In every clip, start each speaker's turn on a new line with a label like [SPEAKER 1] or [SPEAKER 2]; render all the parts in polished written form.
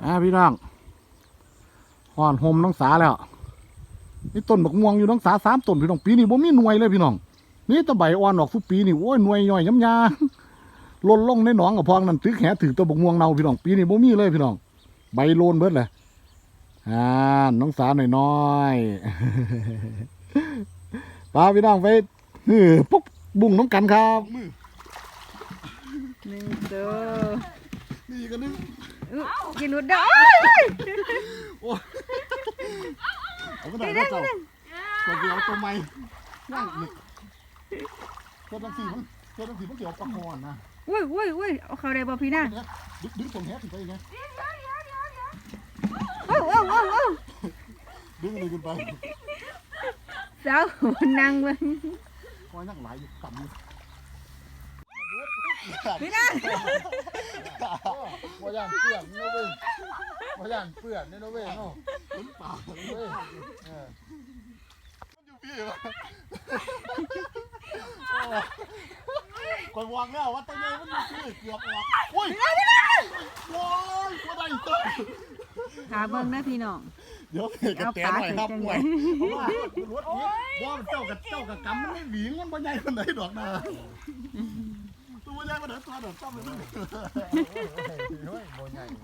[SPEAKER 1] พี่น้องห่อนโฮมน้องสาแล้วนี่ต้นบักม่วงอยู่น้องสา3 ต้นพี่น้องปีนี้บ่มีหน่วยเลยพี่น้องนี่ตะใบอ่อนออกทุกปีนี่โอ้ยหน่วยย่อยย้ำยาหล่นลงในหนองกับพองนั่นถือแขถือตัวบักม่วงเน่าพี่น้องปีนี้บ่มีเลยพี่น้องใบโลนเบิดเลยน้องสาหน่อยๆ ปลาพี่น้องไปปุ๊บบุ้งน้องกันครับ
[SPEAKER 2] 1ตัว
[SPEAKER 1] นี่กันนึง
[SPEAKER 2] กินหลุดดอก
[SPEAKER 1] เอาก็ได้ก็เจ้าตัวเดียวตัวใหม่ย่างอีกตัวตั้งสี่มันเกี่ยวปลาคอนนะ
[SPEAKER 2] อุ้ยเอาเขาได้บ่พี่นาง
[SPEAKER 1] ดึงผมแฮะถึงไปไงดึงเลยขึ้นไป
[SPEAKER 2] สาวนั่งเบิ่ง
[SPEAKER 1] คอยนั่งหลายอยู่กำ
[SPEAKER 2] พี่นาง
[SPEAKER 1] ว่าย่างเปื่อนนี่เว้ยว่าย่างเปื่อนนี่เว้ยเนาะขึ้นป่าเว้ยมันอยู่พี่วะคอยวางแล้วว่าตัวใหญ่มันอยู่พี่เกือบออกโอ้ยโอ้ยว่าได้ตัว
[SPEAKER 2] หาเบิ่งนะพี่น้อง
[SPEAKER 1] เดี๋ยวกระแตหน่อยครับมวยเพราะว่ารถนี้ว่ามันเจ้ากับกำมันไม่หวีมันบ่ใหญ่คนไหนดอกนะตัวใหญ่มาเดี๋ยวตัวเดี๋ยวต้อมเลยบ่ใหญ่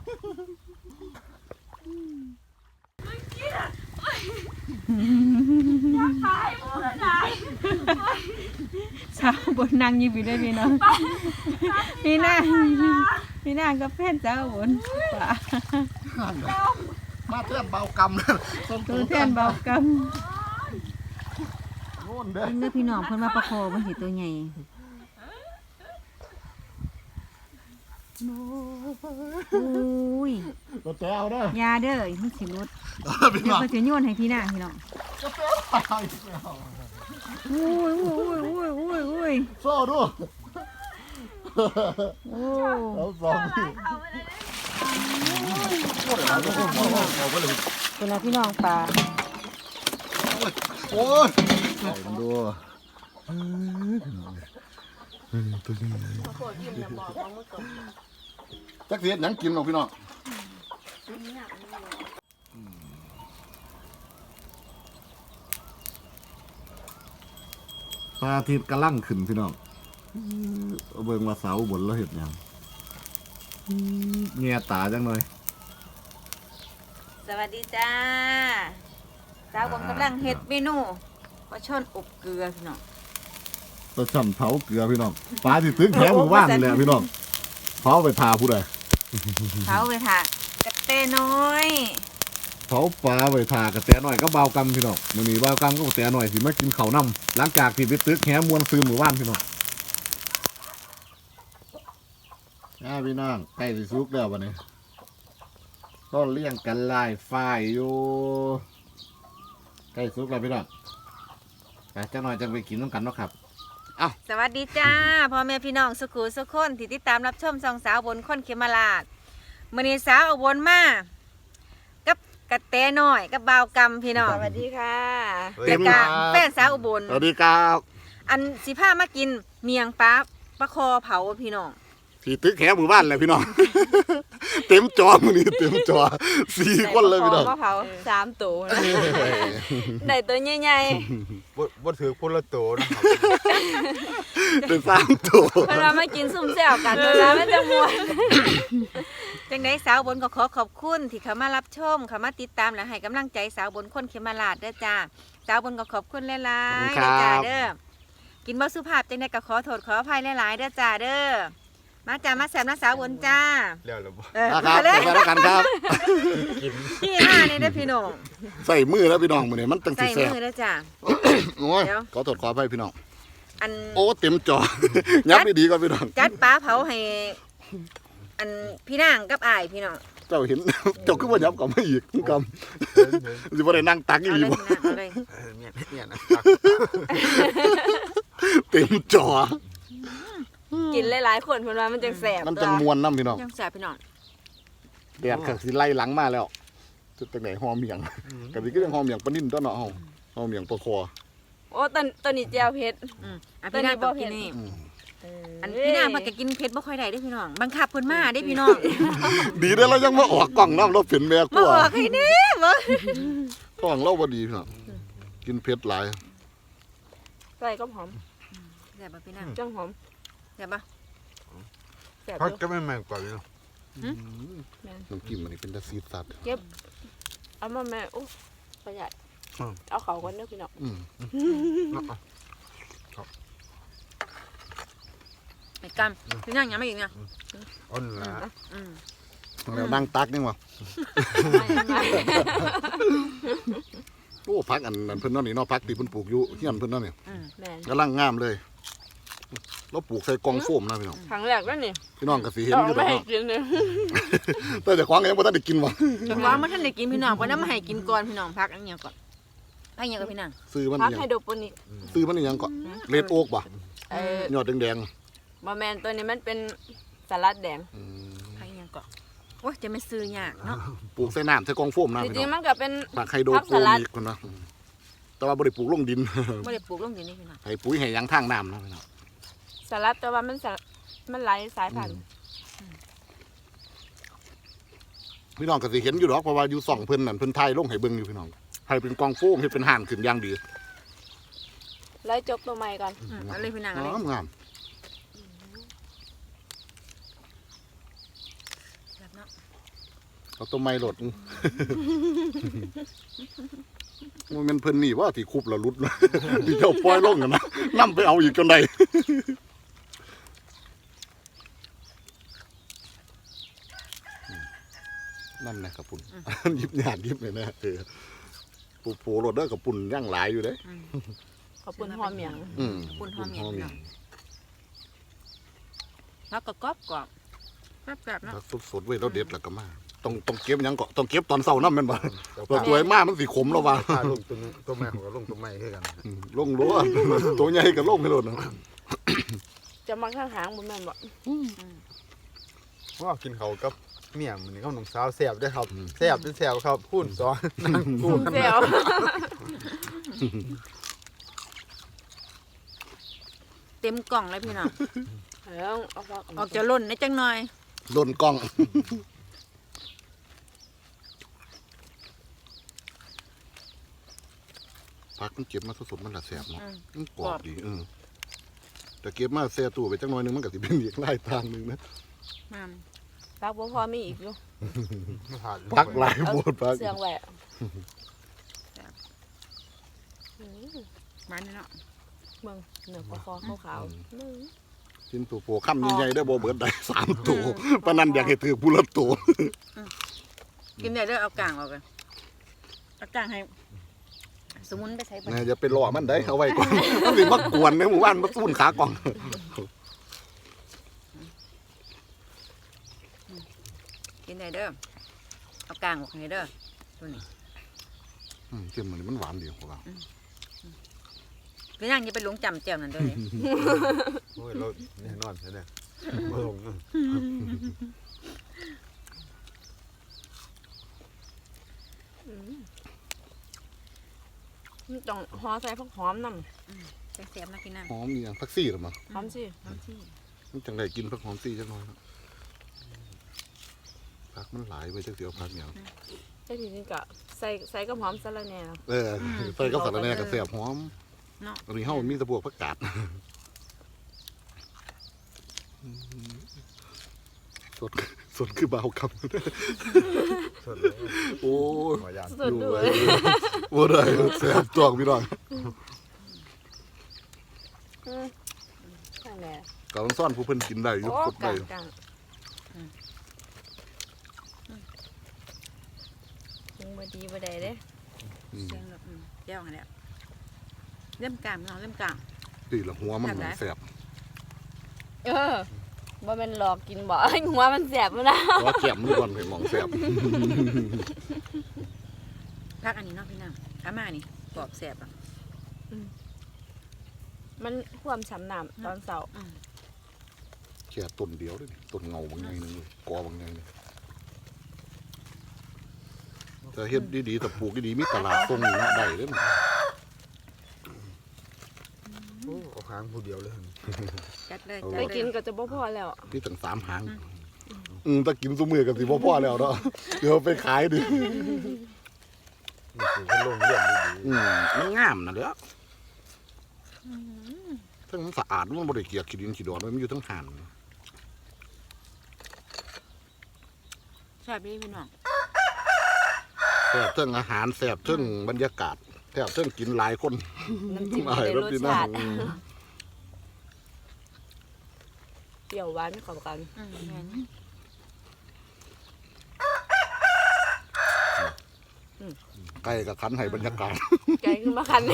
[SPEAKER 2] สาวบนนั่งอยู่ได้พี่น้องพี่นางก็แฟนสาวบนป่า
[SPEAKER 1] มาเพื่อนเบากำเลย
[SPEAKER 2] ตัวแทนเบากำ
[SPEAKER 1] โน่นเด้อ
[SPEAKER 2] เนื้อพี่น้องเพิ่นมาประคอมันสิตัวใหญ่อุ้ย
[SPEAKER 1] ตัวแต้วเด้อย
[SPEAKER 2] าเด้อมันสิรุด
[SPEAKER 1] เดี๋
[SPEAKER 2] ยวก็จะโยนให้พี่นางพี่น้องอุ้ย
[SPEAKER 1] โซ่ดู
[SPEAKER 2] โอ้
[SPEAKER 1] เอาสอง
[SPEAKER 2] เป็นอะไรพี่น้องปลา
[SPEAKER 1] โอ้ยใส่มันดูตัวนี้จักเสียดหนังกินหรอกพี่น้องพระอาทิตย์กำลังขึ้นพี่น้องเบิ่งว่าเสาบนแล้วเห็นยังเงียตาจังเลย
[SPEAKER 2] สวัสดีจ้าสาวผมกำลังเฮ็ดเมนูปลาช่อนอบเกลือพี่น้อง
[SPEAKER 1] ปลาช่อนเผาเกลือพี่น้องปลาที่ตึ้งแถวหมู่บ้านนี่แหละพี่น้องเผาไปทาผู้ใด
[SPEAKER 2] เผาไปทากระเตน้อย
[SPEAKER 1] เผาปลาไปทากระแตหน่อยก็เบากำพี่น้องมื้อนี้เบากำก็กระแตหน่อยสิมากินข้าวน้ำหลังจากที่ไปตึกแหมวนซื้อหมู่บ้านพี่น้องพี่น้องใกล้สิสุกแล้ววันนี้ต้นเลี้ยงกันลายฝ้ายอยู่ใกล้สุกแล้วพี่น้องแต่เจ้าหน่อยจะไปกินน้ำกันเนาะครับ
[SPEAKER 2] สวัสดีจ้าพ่อแม่พี่น้องสุขุสุขคนที่ติดตามรับชมช่องสาวบนคนเขมราชมื้อนี้สาวอุบลมากับกระแตน้อยกับบ่าวกำพี่น้องสวัสดีค่ะแล้วก็แฟนสาวอุบล
[SPEAKER 1] สวัสดีครับ
[SPEAKER 2] อันสิพามากินเมียงปลาคอเผาพี่น้อง
[SPEAKER 1] ที่ตึกแหหมู่บ้านเลยพี่น้องเต็มจอมื้อนี้เต็มจอ4 คนเลยพี่น้อง
[SPEAKER 2] เผา3 ตัวได้ตัวใหญ่
[SPEAKER 3] ๆบ่ถือคนละตัวนะครับ
[SPEAKER 1] เป็น3 ตัว
[SPEAKER 2] เพิ่นว่ามากินซุ่มแซวกันเพิ่นว่ามันจะม่วนจังได๋สาวบนก็ขอบคุณที่เข้ามารับชมเข้ามาติดตามและให้กำลังใจสาวบนคนเขมราชเด้อจ้าสาวบนก็ขอบคุณหลายๆเด้อจ้าเด้อกินบ่สุภาพจังได๋ก็ขอโทษขออภัยหลายๆเด้อจ้าเด้อมาจ้ามาแซ่บนะสาวบนจ้า
[SPEAKER 3] แล้วล่ะบ่
[SPEAKER 1] ครับไปแล้วกันครับ
[SPEAKER 2] พี่ห้านี่เด้อพี่น้อง
[SPEAKER 1] ใส่มือแล้วพี่น้องมื้อนี้มันตั้งสิแซ่บ
[SPEAKER 2] ใส่มือเด้อจ้า
[SPEAKER 1] โอ้ยขอโทษขออภัยพี่น้อง
[SPEAKER 2] อัน
[SPEAKER 1] โอ้เต็มจอยับไปดีกว่าพี่น้อง
[SPEAKER 2] จัดปลาเผาให้อันพี่นางกับอ้ายพี่น้อง
[SPEAKER 1] เจ้าเห็นเจ้าคือว่ายับกับไม่อีกกำสิบ่ได้นั่งตักอีหลีบ่
[SPEAKER 3] เนี่ยนะ
[SPEAKER 1] เต็มจอ
[SPEAKER 2] กินหลายๆคนเพิ่นว่ามันจังแซ่บ
[SPEAKER 1] มันจังม่วนนำพี่น้อง
[SPEAKER 2] จังแซ่บพี่น้อง
[SPEAKER 1] แดดก็สิไล่หลังมาแล้วจุดจังได๋หอมเมียงก็สิคือจังหอมเมียงปลานิ่นตัวเนาะเฮาหอมเมียงปลาคอ
[SPEAKER 4] โอ้ตอนนี้แจ่วเผ็ด
[SPEAKER 2] พี่นางบ่เผ็ดนี่อันพี่นางเพิ่นก็กินเผ็ดบ่ค่อยได้เด้อพี่น้องบังคับเพิ่นมาเด้อพี่น้อง
[SPEAKER 1] ดีได้อเรายังมาออกกล่องน้ำเราเป็นแม่ก
[SPEAKER 2] มา
[SPEAKER 1] ลัว
[SPEAKER 2] ออกให้แน่บ่
[SPEAKER 1] กล่องเราบ่ดีพี่น้องกินเผ็ดหลาย
[SPEAKER 4] ใส่ก็หอม
[SPEAKER 2] แซ่บบ่พี่นาง
[SPEAKER 4] จังหอม
[SPEAKER 2] แซ่บบ่
[SPEAKER 4] แซ่บ
[SPEAKER 3] พัก
[SPEAKER 4] อยู่
[SPEAKER 3] ก็ไม่แม่งกว่าอยู่
[SPEAKER 1] น้ำจิ้มอันนี้เป็นตะซีดสัตว์
[SPEAKER 4] เอามาแม่โอ้ประหยัดเอาเขาก่อนเด้อพี่น้อง
[SPEAKER 2] ไอ้กำพี่นางยังไม่อีกนะ
[SPEAKER 3] อ่อนละ
[SPEAKER 2] อืม
[SPEAKER 1] แล้วนั่งตักนี่วะโอ้พักอันนั้นเพิ่นเนั่นนี่เนาะพักที่เพิ่นปลูกอยู่เฮียนเพิ่นเนั่นนี่
[SPEAKER 2] อืม
[SPEAKER 4] แม่น
[SPEAKER 1] กำลังงามเลยเราปลูกใส่กล่องโฟมนะพี่น้อง
[SPEAKER 4] ครั้งแรกแล้วนี่
[SPEAKER 1] พี่น้องก็สิเห็น
[SPEAKER 4] เอา
[SPEAKER 1] อยู่
[SPEAKER 4] ไม่
[SPEAKER 1] ดอก
[SPEAKER 4] ให้
[SPEAKER 1] เนาะ
[SPEAKER 4] กินเลย
[SPEAKER 1] แต่เจ้าของก็ยังบ่ทันได้กินวะ
[SPEAKER 2] จังหวะบ่ทันได้กินพี่น้องบ่นำมาให้กินก่อนพี่น้องพักอันเนี้ยก่อนพักอันเนี้ยก่อนพี่นาง
[SPEAKER 1] ซื้อมัน
[SPEAKER 4] พัก
[SPEAKER 1] อิหยั
[SPEAKER 4] ให้
[SPEAKER 1] ง
[SPEAKER 4] โดโปนิก
[SPEAKER 1] ซื้อมันอิหยังก็เรดโอ๊กบ่ ยอดแดง
[SPEAKER 4] บะแมนตัวนี้มันเป็นสลัดแดง
[SPEAKER 1] ๆอืม
[SPEAKER 2] พักอันเนี้ยก่อนโอ้ยจะไม่ซื้อยากเนาะ
[SPEAKER 1] ปลูกใส่น้ำใส่กล่องโฟมนะ
[SPEAKER 4] จ
[SPEAKER 1] พี่
[SPEAKER 4] ริ
[SPEAKER 1] น้อง
[SPEAKER 4] งๆมันก็เป็น
[SPEAKER 1] ผักไฮโดร
[SPEAKER 4] ผัก
[SPEAKER 1] โป
[SPEAKER 4] สลัด
[SPEAKER 1] นิกคนนะแต่ว่าบ่ได้ปลูกลงดิน
[SPEAKER 2] บ่ได้ปลูกลงดินนี่พี่น้อง
[SPEAKER 1] ให้ปุ๋ยให้หยังทางน้ำนะพี่น้อง
[SPEAKER 4] สลัดแต่ว่ามันหลายสายพันธุ์
[SPEAKER 1] พี่น้องก็สิเห็นอยู่ดอกเพราะว่าอยู่ส่องเพิ่นนั่นเพิ่นถ่ายลงให้เบิ่งอยู่พี่น้องให้เป็นกล่องโฟมให้เป็นห่านขึ้นอย่างดี
[SPEAKER 4] ไล่จกตัวใหม่ก่อน
[SPEAKER 2] เอาเลยพี่นางเอาเลย
[SPEAKER 1] งาม
[SPEAKER 2] แบบเนาะ
[SPEAKER 1] เอาต้นไม้หลดมันเป็นเพิ่นนี่ว่าที่คุบแล้วรุด ที่เจ้าปล่อยลงกันนะนำไปเอาอีกจนได้ นั่นนะกับปุ่น ยิบหยาดยิบเลยนะปูโผรถเด้อกับปุ่นย่างหลายอยู่เด้
[SPEAKER 2] อืม
[SPEAKER 4] ขอบคุณหอมเหมียง
[SPEAKER 2] ปุ่นหอมเหมียงพี่น้องแล้วก็กรอบกรอบแบบเนาะ
[SPEAKER 1] แล้วสดๆเว้ยแล้วเด็ดแล้วก็มาต้องเก็บหยังก็ต้องเก็บตอนเช้านั่นแม่นบ่ตัวตัวมากมันสิขมแล้วว่า
[SPEAKER 3] ถ้าลงตัวแม่ของก็ลงตัวแม่คือกัน
[SPEAKER 1] ลงรั้วตัวใหญ่ก็ลงให้โลดนะ
[SPEAKER 4] จะมาข้างหางบุญแม่นบอก
[SPEAKER 3] ว่ากินเขากับเมี่ยงมันนี่เขาหนุ่มสาวแซ่บได้ครับแซ่บเป็นแซ่บครับพูดซ้อนนั่งพูด
[SPEAKER 4] เซล
[SPEAKER 2] เต็มกล่องเลยพี่น้อง
[SPEAKER 4] แล้วเอาฟัก
[SPEAKER 2] ออกจะล่นในจังหน่อย
[SPEAKER 1] โดนกล้องพักมันเก็บมาสดๆมันละแสบเนาะมันกรอบดีแต่เก็บมาแซ่ตู้ไปจังน้อยนึงมันก็สิเป็นอีกหลายทางนึงนะ
[SPEAKER 2] มา
[SPEAKER 4] ฟักบ่พอมีอีกอยู่
[SPEAKER 3] ไม่ผ่าน
[SPEAKER 1] พักหลายโบดพัก
[SPEAKER 4] เสียงแหวะ
[SPEAKER 2] มาเนี่ยเนาะ
[SPEAKER 4] เบิ่งเนื้อคอขาวๆมึง
[SPEAKER 1] ชิ้นตัวโปคำใหญ่ๆได้อบ่เบิดได้3ตัวปานนั้นอยากให้ถือผู้ละตัว
[SPEAKER 2] กินได้เด้อเอากลางออกกันเอากลางให้สมุนไปใช้บ่
[SPEAKER 1] นะอย่าไปล่อมันได้เอาไว้ก่อนมันสิมากวนในหมู่บ้านมาสู้นขากล่อง
[SPEAKER 2] กินได้เด้อเอากลางออกให้เด้อตัวนี้
[SPEAKER 1] เค็มมันหวานดีกว่า
[SPEAKER 2] พี่นางอย่าไปหลงจำแจ่วนั่นเด้อนี่
[SPEAKER 3] โอ้ยเราแน่นอนใช่ไหมบ่ลง
[SPEAKER 4] มันต้องห่อใส่ผักหอมนำ
[SPEAKER 2] แซ่บๆนะพี่นาง
[SPEAKER 1] หอมมีอย่างผักซี่หรือมั้ง
[SPEAKER 4] หอมสิ
[SPEAKER 2] น้ำที่
[SPEAKER 1] มันจังได้กินผักหอมซี่จังน้อยครับผักมันหลายไปจังเสียวผักอย่าง
[SPEAKER 4] แต่ทีนี้ก็ใส่กับหอมสะระแหน่
[SPEAKER 1] ใส่ก็สารแหน่กับเสียบหอม
[SPEAKER 2] เนาะ
[SPEAKER 1] อันนี้เฮามีแตะบวกผักกาดสดคือเบาคำ
[SPEAKER 3] สดเลย
[SPEAKER 1] โอ้ย
[SPEAKER 3] หัวยาน
[SPEAKER 4] สดด้วย
[SPEAKER 1] บ่ได้แซ่บตอกพี่น้อง
[SPEAKER 4] ข้างแหน่
[SPEAKER 1] กำลังซ่อนผู้เพิ่นกินได้อยู่
[SPEAKER 4] โอ้
[SPEAKER 1] ครบ
[SPEAKER 4] กลา
[SPEAKER 1] ได้
[SPEAKER 4] งกลางยังบ่ดีบ่ได้เด้
[SPEAKER 2] เสียงแบบแจ่วให้แล้วเริ่มกลางพี่น้องเริ่มกลาง
[SPEAKER 1] นี่ละหัวมันแซ่บ
[SPEAKER 4] บ่แม่นหลอกกินบ่ หัวมันแสบมันนะ
[SPEAKER 1] หัวแก้มนี่ก่อนเห็นหมองแซ่บ
[SPEAKER 2] พักอันนี้เนาะพี่นางอามานี่กรอบแซ่บอ่ะ
[SPEAKER 4] มันความฉ่ำน้ำตอนเช้า
[SPEAKER 1] แค่ต้นเดียวเด้อต้นเงาบางใหญ่นึงเลยกอบางใหญ่นึงแต่เฮ็ดดีๆแต่ปลูกดีๆมีตลาดส่งนี่เนาะได้เด้อ
[SPEAKER 3] โอ้เอาหางผู้เดียวเลย
[SPEAKER 2] จัดเลย
[SPEAKER 1] เอา
[SPEAKER 2] จัด
[SPEAKER 4] ไป
[SPEAKER 2] เลย
[SPEAKER 4] กินก็จะบ่พอแล้ว
[SPEAKER 1] นี่ตั้ง3หางถ้ากินซุมือกับสิบ่พอแล้วเนาะเดี๋ยวไปขายดิ
[SPEAKER 3] นี่คือเขาลงเรื่องดี
[SPEAKER 1] มันงามนะเด้อทั้งมันสะอาดมันบ่ได้เกลียกขี้ดินขี้ดอนมันอยู่ทั้งห่าน
[SPEAKER 2] แซ่บดีพี่น้อง
[SPEAKER 1] แซ่บเทั้งอาหารแซ่บเทั้งบรรยากาศแซ่บเทั้งกินหลายคน
[SPEAKER 4] น้ำจิ้ม
[SPEAKER 1] อ้าย
[SPEAKER 4] ได้รส
[SPEAKER 1] พี่
[SPEAKER 4] ชาติ
[SPEAKER 1] อืม
[SPEAKER 4] เปรี้ยวหวานเข้ากัน
[SPEAKER 2] แม่น
[SPEAKER 1] ไก่กับคันให้บรรยากาศ
[SPEAKER 4] ใจขึ้นมาคัน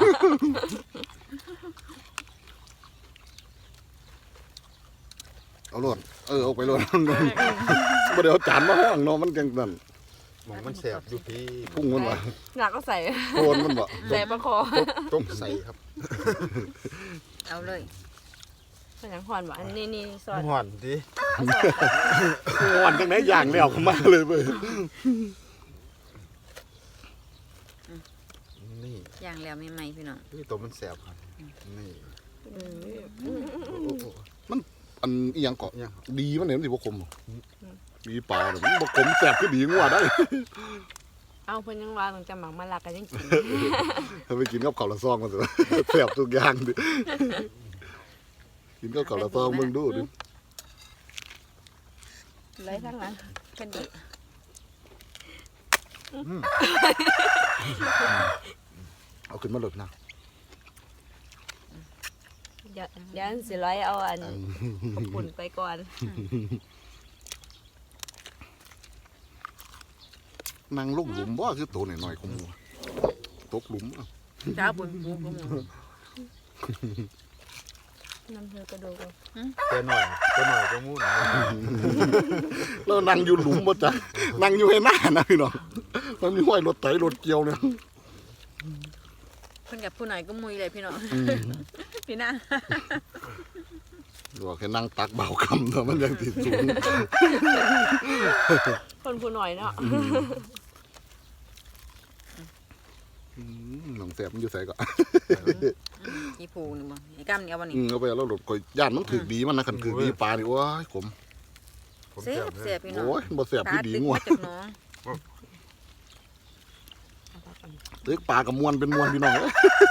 [SPEAKER 1] เอาโลดเอาไปโลดบ่ได้เอาจานมาห้องเนาะมันจังนั่น
[SPEAKER 3] ๆหมองมันแสบอยู่พี่
[SPEAKER 1] พุ่งมันว่า
[SPEAKER 4] หนักก็ใส่
[SPEAKER 1] โคนมันบ่
[SPEAKER 4] ใส่ประคอ
[SPEAKER 3] ต้มใส่ครับ
[SPEAKER 2] เอาเลย
[SPEAKER 4] ขยันหอนหวานนี่ซอส
[SPEAKER 3] ห่อนดิ
[SPEAKER 4] เอาซอส
[SPEAKER 1] อ่อนจังไหนย่างแล้วเข้ามาเลยเว้ย
[SPEAKER 3] นี่
[SPEAKER 2] ย่างแล้วใหม่ๆพี่น้อง
[SPEAKER 3] นี่ตัวมันแสบครับนี่
[SPEAKER 4] อืม
[SPEAKER 3] โอ้โห
[SPEAKER 1] อันอีหยังเกาะ
[SPEAKER 3] ยังครับ
[SPEAKER 1] ดีมันเนี่ยมันสิบ่คมหรอดีเปล่าเนี่ยมันบ่คมแซ่บคือดีงัวได้
[SPEAKER 4] เอาเพิ่นยังว่าต้องจะหมักมะละกันยังกิน
[SPEAKER 1] ถ้าไปกินกับข้าวละซองมันสิแซ่บทุกอย่างดิกินกับข้าวละซองมึงดูดิ
[SPEAKER 4] ไรทั้งนั้น
[SPEAKER 2] กันดี
[SPEAKER 1] เอาขึ้นมาลดนะ
[SPEAKER 4] เดี๋ยวสิร้อยเอาอันขอบคุณไปก่อน
[SPEAKER 1] นั่งลงหลุมบ่คือโตหน่อยๆของหมูตกหลุมอะ
[SPEAKER 2] จ้าบุญปูก็มึง
[SPEAKER 4] น้ำเธอกระดูก
[SPEAKER 3] ตัวหน่อยก็มู้น
[SPEAKER 1] แล้วนั่งอยู่หลุมบ่จ๊ะนั่งอยู่ให้หน้านะพี่น้องมันมีห้อยรถไถรถเกี่ยวเนี่ย
[SPEAKER 2] เพิ่นกับผู้หน่อยก็มุยเลยพี่น้องพี่น้า
[SPEAKER 1] บอกแค่นั่งตักเบาคำเถอะมันยังติดสูง
[SPEAKER 4] คนผู้หน่อยเนาะ
[SPEAKER 1] หนังแสบมันอยู่ใส่ก่อน
[SPEAKER 2] อีผูนี่บ่ไอ้กำนี่เอาบ่นี่
[SPEAKER 1] เอาไปแล้วหลดก่อยย่านมันถือดีมันนะคันถือดีปลานี่โอ้ยขม
[SPEAKER 3] ผม
[SPEAKER 2] เสียบ
[SPEAKER 3] เล
[SPEAKER 2] เสีย
[SPEAKER 3] ย
[SPEAKER 2] บพี่น้อง
[SPEAKER 1] โอ้ยบ่แสบที่ดีงัว
[SPEAKER 2] ตาตึกมาจากหน้อง
[SPEAKER 1] ตึกปลากับมวนเป็นมวนพี่น้องเอ้ย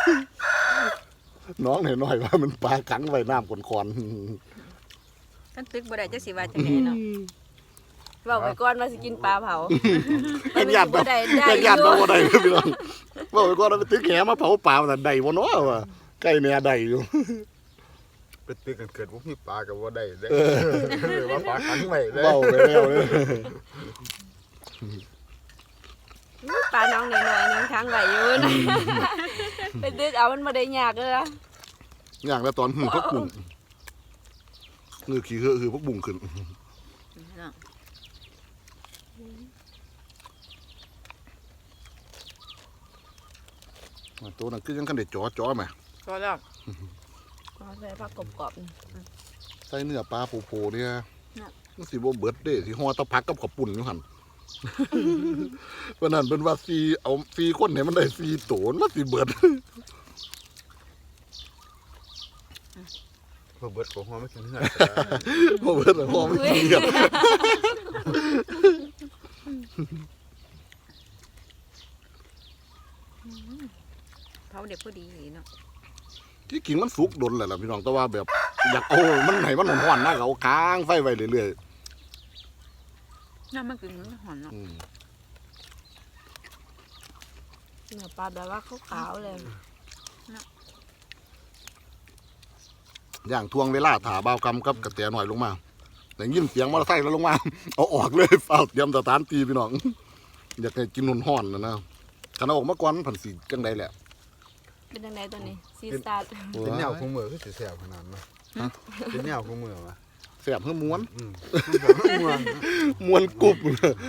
[SPEAKER 1] น้องหน่อยๆว่ามันปลาขังไว้น้ำก่อน
[SPEAKER 2] ท่านตึกบ่ได้จักสิว่าจังไดเนาะ
[SPEAKER 4] บอกไปก่อนว่าสิกินปลาเผา
[SPEAKER 1] ๆยังหยาด
[SPEAKER 4] บ่
[SPEAKER 1] แบบ
[SPEAKER 4] ได้
[SPEAKER 1] ยังหยาด
[SPEAKER 4] อยู่
[SPEAKER 1] บ่ได้เลยพี่น้องบอกไปก่อนว่าไปตึกแหมาเผาปลาแต่ใดบ่เนาะว่าใกล้แน่ใดอยู่
[SPEAKER 3] ไปตื้อกันเกิดพวกพี่ปลากับว่าได้ได้ว่าปลาขังไว้ได้
[SPEAKER 1] เบ้าไปแล้วเลย
[SPEAKER 4] ปลาน้องหน่อยๆนึงค้างไหวอยู่นะไปดึกเอามันบ่ได้ยากเลยนะ
[SPEAKER 1] อย่างแล้วตอนพักบุ้งคือขี้เหอะคือพักบุ้งขึ้น
[SPEAKER 2] พี่น้อง
[SPEAKER 1] ตัวนั้นคือยังคันได้จ่อๆแหม
[SPEAKER 2] ก็แล้ว
[SPEAKER 4] เอาใส่ผักกรอบ
[SPEAKER 1] ใส่เนื้อปลาโผล่ๆเนี่ยมันสิบ่เบิดเด้สิห่อตะพักกับข้าวปุ่นอยู่หั่น วันนั้นเป็นว่าซีคนให้มันได้4ตัวมันสิเบิด
[SPEAKER 3] พอเบิดของหัวไม่กินเนื้อ
[SPEAKER 1] บ่เบิดแล้วห่อมันกินกัน
[SPEAKER 2] เผาเด็กพอดีเนาะ
[SPEAKER 1] ที่กินมันสุกดนแหละล่ะพี่น้องแต่ว่าแบบอยากเอามันให้มันร้อนๆนะก็เอาค้างไฟไว้เรื่อย
[SPEAKER 2] น้ำมันกินมันหอนเนาะ
[SPEAKER 1] ๆ
[SPEAKER 4] ๆเนื้อปลาแบบว่าขาวๆเลย
[SPEAKER 1] อย่างทวงเวลาถ่าบ่าวกำกับกระแตหน่อยลงมาได้ยินเสียงมอเตอร์ไซค์แล้วลงมา เอาออกเลยเฝ้าเตรียมสถานที่พี่น้อง อยากให้กินร้อนๆนะคันเอาออกมาก่อนผันสิจังได๋แหละ
[SPEAKER 4] เป็นยังไงตัวนี้ซีสตาร์
[SPEAKER 3] เป็นแนวของมือคือสิแสบขนาดนั้นเป็นแนวของมือวะ
[SPEAKER 1] แซ่บเฮือม้วน
[SPEAKER 3] ม่วง
[SPEAKER 1] ม้วนกรุบ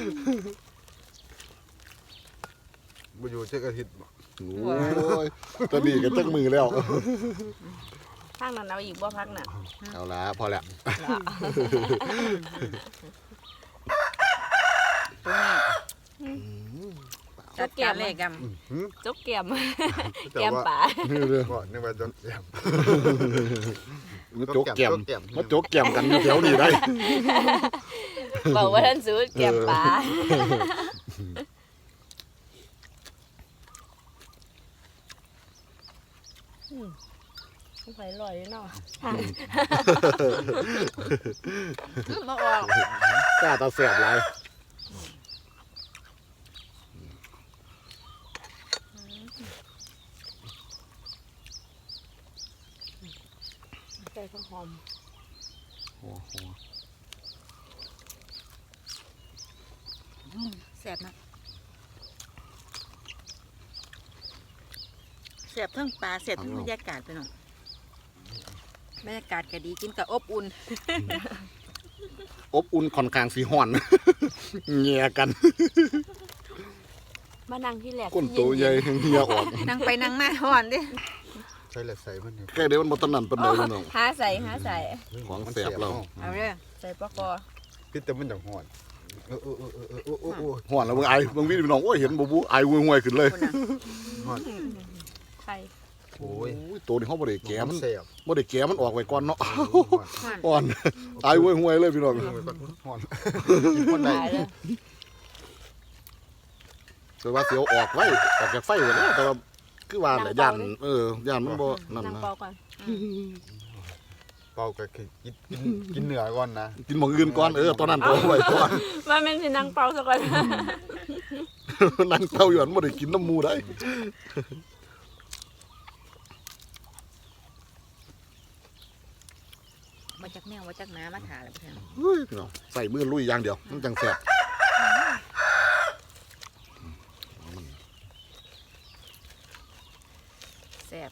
[SPEAKER 3] บ่อยู่เจ๊กอาทิตย์
[SPEAKER 1] โอ้ยตอนนี้ก็ตั้งมือแล้ว
[SPEAKER 4] พักนั้นเอาอีกบ่พักน่ะ
[SPEAKER 1] เอาละพอแล้ว
[SPEAKER 2] ตัวนี้
[SPEAKER 1] เปล่า
[SPEAKER 2] จัดการเลยก
[SPEAKER 4] จกแก้ม
[SPEAKER 3] แต่
[SPEAKER 4] แก้ม
[SPEAKER 3] ว่า
[SPEAKER 4] ป่า
[SPEAKER 1] นี่เลย
[SPEAKER 3] บ่นึกว่าโดนแสบ
[SPEAKER 1] มาโจกแก้มมาโจกแก้มกันอยู่แถวนี้ได้
[SPEAKER 4] บอกว่าท่านสูตรแก้มป่าไปลอยเนาะ
[SPEAKER 2] ำมาออก
[SPEAKER 1] กล้าตาแสบหลาย
[SPEAKER 4] ใส่ข้าวหอม
[SPEAKER 1] โอ้โห
[SPEAKER 2] แสบนะแสบทั้งปลาแสบทั้งบรรยากาศไปหน่อยบรรยากาศก็ดีกินกับอบอุ่น
[SPEAKER 1] อบอุ่นค่อนข้างสีห่อน เงียกัน
[SPEAKER 4] มานั่งที่แหลก
[SPEAKER 1] ก้นโตใหญ่เงียออก
[SPEAKER 2] นั่งไปนั่งมาห่อนดิ
[SPEAKER 3] ใส่แล้วใส่มันนี่
[SPEAKER 1] แค่เดี๋ยวมันบ่ตะนั่นปานใดพี่น้อง
[SPEAKER 4] หาใส่
[SPEAKER 1] ของแสบเรา
[SPEAKER 2] เอาเด้อ
[SPEAKER 4] ใส่ปลากอ
[SPEAKER 3] พี่แต่มันจังฮ้อนโอ้
[SPEAKER 1] ห่อนแล้วเบิ่งไอ้เบิ่งวิพี่น้องโอ้ยเห็นบ่บูไอ้ห่วยๆขึ้นเลย
[SPEAKER 2] คนน่ะ
[SPEAKER 3] ฮ้อน
[SPEAKER 4] ไข่
[SPEAKER 3] โอ้ย
[SPEAKER 1] โอ้ยตัวนี้เฮาบ่ได้แกะมัน
[SPEAKER 3] แสบ
[SPEAKER 1] บ่ได้แกะมันออกไว้ก่อนเนาะ
[SPEAKER 3] ฮ้อน
[SPEAKER 2] ห่อน
[SPEAKER 1] อ่อนไอ้ห่วยๆเลยพี่น้อง
[SPEAKER 3] ฮ้อนกินคนใด
[SPEAKER 4] ตายเลย
[SPEAKER 1] แต่ว่าเสียวออกไว้ออกจากไฟไว้แล้วแต่ว่าคือว่าแหละย่านย่านมันบ่นั่น
[SPEAKER 4] นั่ง
[SPEAKER 1] นะ
[SPEAKER 4] เปาก่อน
[SPEAKER 3] เป่าก็คือกินเนื้อก่อนนะ
[SPEAKER 1] กินหม้องอื่นก่อนตอนนั้นก็เอาไว้ก่อน
[SPEAKER 4] ว่ามันสินั่งเปาซะก่อน
[SPEAKER 1] นั่งเต้าอยู่อันบ่ได้กินน้ำหมูได้
[SPEAKER 2] มาจากแมวมาจากน้ำมาถาเลยเพื่อน
[SPEAKER 1] เฮ้ยพี่น้องใส่มือลุยอย่างเดียวมันจังแซ่บ
[SPEAKER 2] แสบ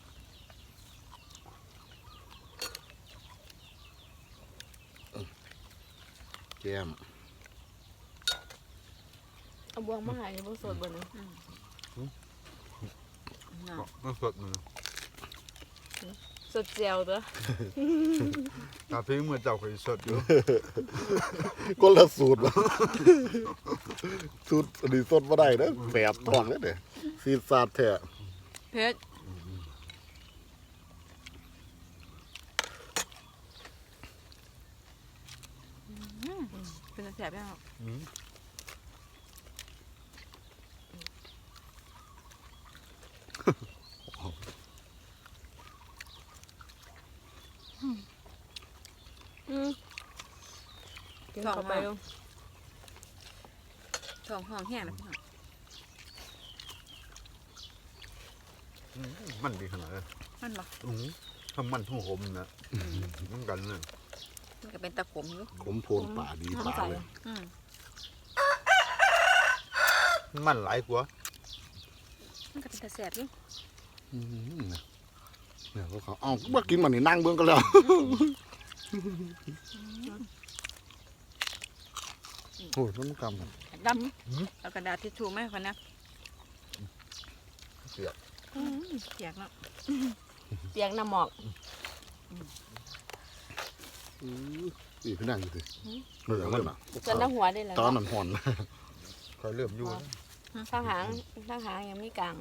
[SPEAKER 1] แก้ม
[SPEAKER 4] เอาบวงมาให้บ่สดบ่นี่
[SPEAKER 2] เนาะ
[SPEAKER 3] มันสดมัน
[SPEAKER 4] สดเจียวตัว
[SPEAKER 3] ตาพี่เมื่อเจ้าเคยสดอยู่
[SPEAKER 1] คนละสูตรวะ สูตรอันนี้สดบ่ได้เด้อแสบท้องเด้อเด้อซีดซาดแท้
[SPEAKER 2] เพชรเป็นแสบยัง
[SPEAKER 4] กินเข้าไปลูก
[SPEAKER 2] ท้องห้องแห้งนะพี่น้อง
[SPEAKER 3] มันดีขนาดนั้น
[SPEAKER 2] มันบอก
[SPEAKER 3] ถ้ามันทุ่งหมนะมันกันเลย
[SPEAKER 2] มันก็เป็นตะขมอยู่
[SPEAKER 1] ขมโพนป่าดีป่าเลย
[SPEAKER 2] อืม
[SPEAKER 3] มันหลายกว่า
[SPEAKER 2] มันก็เป็นตะแสบอยู่
[SPEAKER 1] อืมเนี่ยเขาเอ้าบ่กินมันนี่นั่งเบิ่งกันแล้ว โอ้ยมันกำกัน
[SPEAKER 2] ดำเอากระดาษทิชชู่ไหมคนนะ
[SPEAKER 3] เสียบ
[SPEAKER 2] เปียกเนาะ
[SPEAKER 4] เปียกน้ำหมอก
[SPEAKER 1] อีกนั่งอยู่ดิเหนื่อยมันน่ะ
[SPEAKER 4] จนน้ำหัวได้แล้ว
[SPEAKER 1] ตอนนั้นห่อน
[SPEAKER 3] คอยเริ่มอยู่
[SPEAKER 4] ข้างหางยังมีกลาง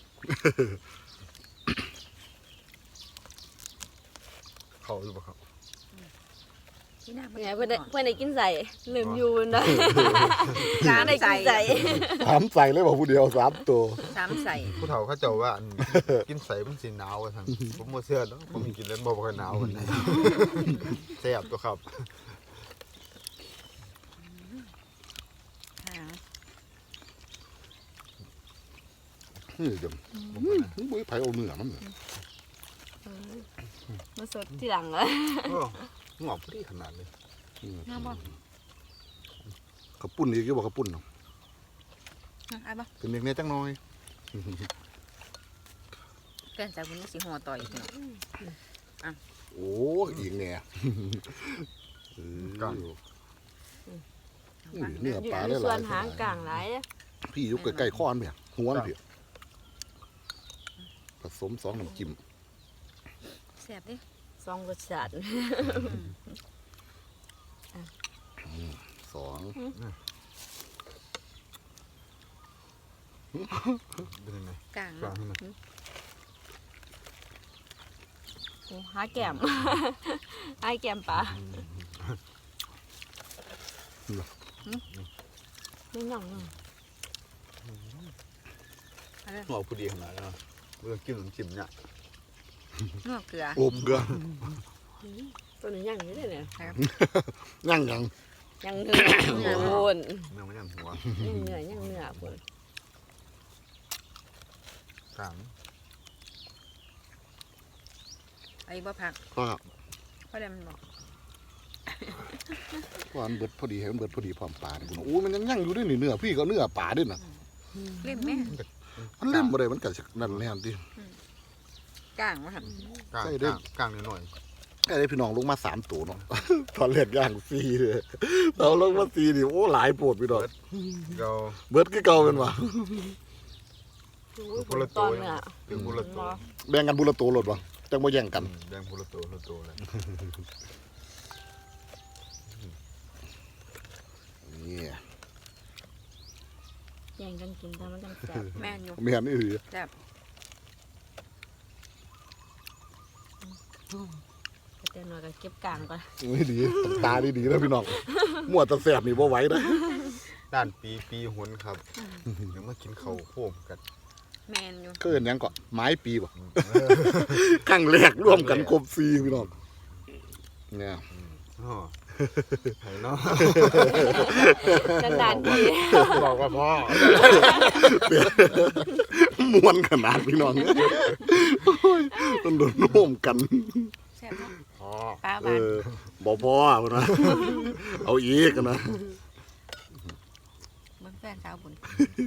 [SPEAKER 3] เขาอยู่ปะครับ
[SPEAKER 2] ที่หน้า
[SPEAKER 4] เนี่ยเพื่อนได้กินใส่ลืมอยู่นะ
[SPEAKER 2] สาม
[SPEAKER 4] ได้
[SPEAKER 2] ใส่
[SPEAKER 4] กินใส่
[SPEAKER 1] ถามใส่เลยบอกผู้เดียว3 ตัว
[SPEAKER 2] สามใส่
[SPEAKER 3] ผู้เฒ่าเขาเจ้าว่าอันกินใส่มันสีหนาวกันทั้งผมบ่เชื่อแล้วผมกินแล้วบ่ค่อยหนาวกันแซ่บตัวครับ
[SPEAKER 2] หาง
[SPEAKER 1] นี่จังบ่ไผเอาเนื้อมัน
[SPEAKER 4] มาสดที่หลังเลย
[SPEAKER 3] งอกพอดีขนาดเลย
[SPEAKER 2] น้ำบ่
[SPEAKER 1] กระปุ่นอีกอยู่บ่กระปุ่นเนาะ
[SPEAKER 2] ไอ้บ่
[SPEAKER 1] เป็นเด็กเนี่ยจังน้อย
[SPEAKER 2] แกนจากวันนี้สีหัวต่อยอีกเนาะ
[SPEAKER 1] โอ้อีกแน่เนื้อ
[SPEAKER 4] อยู่
[SPEAKER 1] ปลา
[SPEAKER 4] ใน
[SPEAKER 1] ได้ห
[SPEAKER 4] ส่ว
[SPEAKER 1] ลาน ย
[SPEAKER 4] หางกลางหลาย
[SPEAKER 1] พี่อยู่ใกล้ๆคออันเพียหัวอันเพียผสม2น้ำจิ้ม
[SPEAKER 2] แสบดิ
[SPEAKER 4] สองรสชาติ
[SPEAKER 1] 2
[SPEAKER 3] เป็นยังไง
[SPEAKER 2] กลาง
[SPEAKER 3] กลางให้หน่อย
[SPEAKER 4] โอ้หาแก้ม หาแก้มปลาไม่หน่องเนาะ
[SPEAKER 3] หัวพอดีขนาดนั้นเมื่อกินขนมจิ้มเนี่ย
[SPEAKER 2] นวดเกลือ
[SPEAKER 1] โอบเกลือ
[SPEAKER 4] ตัวนี้ยังอยู่เลยเนี่ย
[SPEAKER 1] ยัง
[SPEAKER 4] ยังเนื้อโอน
[SPEAKER 3] เมื่อมันยังหัว
[SPEAKER 4] ยังเนื้อคน
[SPEAKER 3] กลาง
[SPEAKER 2] ไอ้บ่ผัก
[SPEAKER 1] ก็
[SPEAKER 2] เพราะอะไรมันบอก
[SPEAKER 1] ว่ามันเบิดพอดีให้มันเบิดพอดีพร้อมปลานี่พุ่นโอ้ยมันยังอยู่ด้วยนี่เนื้อพี่ก็เนื้อปลาด้วยน่ะ
[SPEAKER 2] เล่มแม่
[SPEAKER 1] มันเล่มบ่ได้มันก็นั่นแหละติ
[SPEAKER 2] กลางวะครับ
[SPEAKER 3] กลาง
[SPEAKER 1] ใส่ได้
[SPEAKER 3] กลางหน่อย
[SPEAKER 1] ไอ้พี่น้องลงมา3ตัวเนาะ ตอนแรกย่าง4เลยเราลงมา4นี่โอ้หลายโพดพี่น้อง
[SPEAKER 3] ๆเรา
[SPEAKER 1] เบิดคือเก่าเป็นว่า
[SPEAKER 4] คนละตอนเนื้อ
[SPEAKER 3] ถึงบุรุษตัว
[SPEAKER 1] แบ่งกันบุละตัวโลดบ่จังบ่แย่งกัน
[SPEAKER 3] แดงบุรุษตัวเลย
[SPEAKER 1] นี่
[SPEAKER 4] แย่งกันกินแต่มันจังแซ่บ
[SPEAKER 2] แม่นอยู่
[SPEAKER 1] แม่นอีหลี
[SPEAKER 2] แซ่บ
[SPEAKER 4] แต่หน่อยก็เก็บกลางก่อน
[SPEAKER 1] ไม่ดีตาดีๆแล้วพี่น้องมั่วแตะแสบนี่บ่ไหวนะ
[SPEAKER 3] ด้านปีหุนครับเดี๋ยวมากินข้าวโพดกัน
[SPEAKER 2] แม่นอยู่
[SPEAKER 1] เกินหยังก่อนไม้ปีบ่ครั้งแรกร่วมกันครบ4พี่น้องเนี่ย
[SPEAKER 3] อ๋อไห้เนาะ
[SPEAKER 4] นานๆที
[SPEAKER 3] บอกว่าพ่อ
[SPEAKER 1] ม่วนขนาดพี่น้องโอ้ยต้องโดนร่วมกัน
[SPEAKER 2] แซ่บเนาะ
[SPEAKER 3] พ่อ
[SPEAKER 2] ปลา
[SPEAKER 1] เอ
[SPEAKER 2] บ้าน
[SPEAKER 1] อบ่พอพุ่นนะเอาอีกนะ
[SPEAKER 2] เบิ่งแฟนสาวบุญ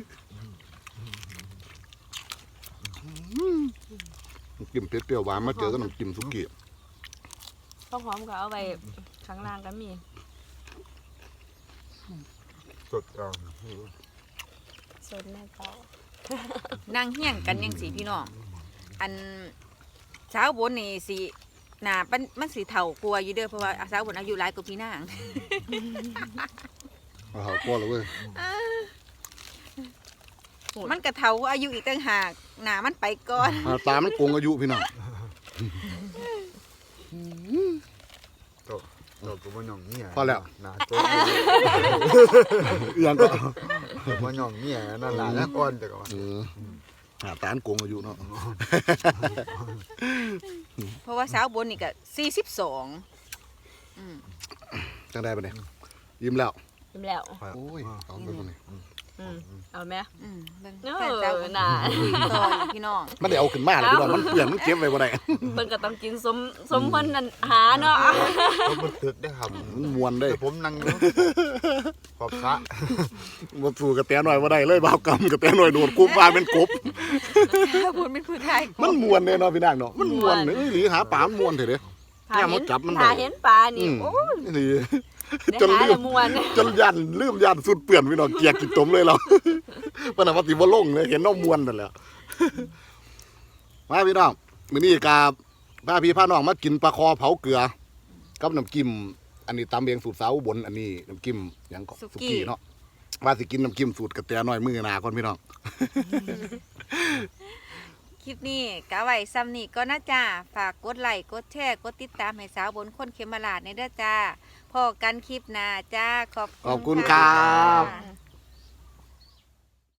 [SPEAKER 1] กินเปรี้ยวๆหวานมาเจอกับน้ำจิ้มสุกี้
[SPEAKER 4] ข้าวหอมก็เอาไปข้างล่างก็มี
[SPEAKER 3] สดเอา
[SPEAKER 4] สดแม่เต้า
[SPEAKER 2] นั่งเฮี้ยงกันยังสีพี่น้องอันสาวบุญนี่สิหน้ามันสิเฒ่ากลัวาอยู่เด้อเพราะว่าสาวบุญอายุหลายกว่าพี่นาง
[SPEAKER 1] เอาหาพอแล้วเว้ย
[SPEAKER 2] มันกระเฒ่าอายุอีกต่างหากหน้ามันไปก่อน
[SPEAKER 1] หาตามันโกงอายุพี่น้อง
[SPEAKER 3] เราก็บ่ย่องเนี่ย
[SPEAKER 1] พอแล้ว
[SPEAKER 3] หน้าตัว
[SPEAKER 1] อีหยังก็
[SPEAKER 3] บ่ย่องเนี่ยนั่นล่ะแล้วก่อนแต่ก็ว่า
[SPEAKER 1] หาตามันโกงอายุเนาะ
[SPEAKER 2] เพราะว่าสาวบุญนี่ก็42
[SPEAKER 1] จังได้ปะเนี่ยยิ้มแล้ว
[SPEAKER 4] ยิ้มแล้ว
[SPEAKER 1] โอ้ยเอาไปคนนี้
[SPEAKER 4] เอาไหม
[SPEAKER 2] เบิ่ง
[SPEAKER 4] เอ
[SPEAKER 2] แฟนสาว
[SPEAKER 4] อ
[SPEAKER 2] บุญ
[SPEAKER 4] น่ะ
[SPEAKER 2] คุยต่ออยู่พี่น้อง
[SPEAKER 1] มันได้เอาขึ้นมาเลยพี่น้องมันเปลี่ยนมันเก็บไว้บ่ได้
[SPEAKER 4] เพิ่นก็ต้องกินสมคนนั้นหาเนาะ
[SPEAKER 3] ผมบ่ตึกได้ครับ
[SPEAKER 1] มันมวนได้
[SPEAKER 3] แต่ผมนั่งอยู่ขอบสระ
[SPEAKER 1] บ่สู้กับแตหน่อยบ่ได้เลยบ่าวกำกับแตหน่อยโดดคุบว่าเป็นกบ
[SPEAKER 2] สาวบุญเป็นผู้ชาย
[SPEAKER 1] มันมวนเด้เนาะพี่นางเนาะมันมวนเอ้ยหรือหาปลามันมวนเถอะเด้ แม่มดจับมันได้
[SPEAKER 4] หาเห็นปลานี่โอ้ย
[SPEAKER 1] นี่
[SPEAKER 4] ได้
[SPEAKER 1] จน
[SPEAKER 4] หา
[SPEAKER 1] ลื
[SPEAKER 4] ละ
[SPEAKER 1] ม
[SPEAKER 4] มวน
[SPEAKER 1] จนยันลืมยันสุดเปื่อนพี่น้องเกียกกินตมเลยเรา ปนว่าสิบ่ลงเลยเห็นน้องมวนนั่นแหละมาพี่น้องมื้อนี้กาพาพี่พาน้องมากินปลาคอเผาเกลือกับน้ำจิ้มอันนี้ตำเองสูตรสาวอุบลอันนี้น้ำจิ้มหยังก็สุกี้เนาะว่าสิกินน้ำจิ้มสูตรกระแตน้อยมือหนาก่อนพี่น้อง
[SPEAKER 2] คลิปนี้กะไว้ซ้ำนี่ก็นะจ้าฝากกดไลค์กดแชร์กดติดตามให้สาวบนคนเขมราชในเด้อจ้าพอกันคลิปหน้าจ้าขอบ
[SPEAKER 1] ขอบคุณครับ
[SPEAKER 2] ค่ะ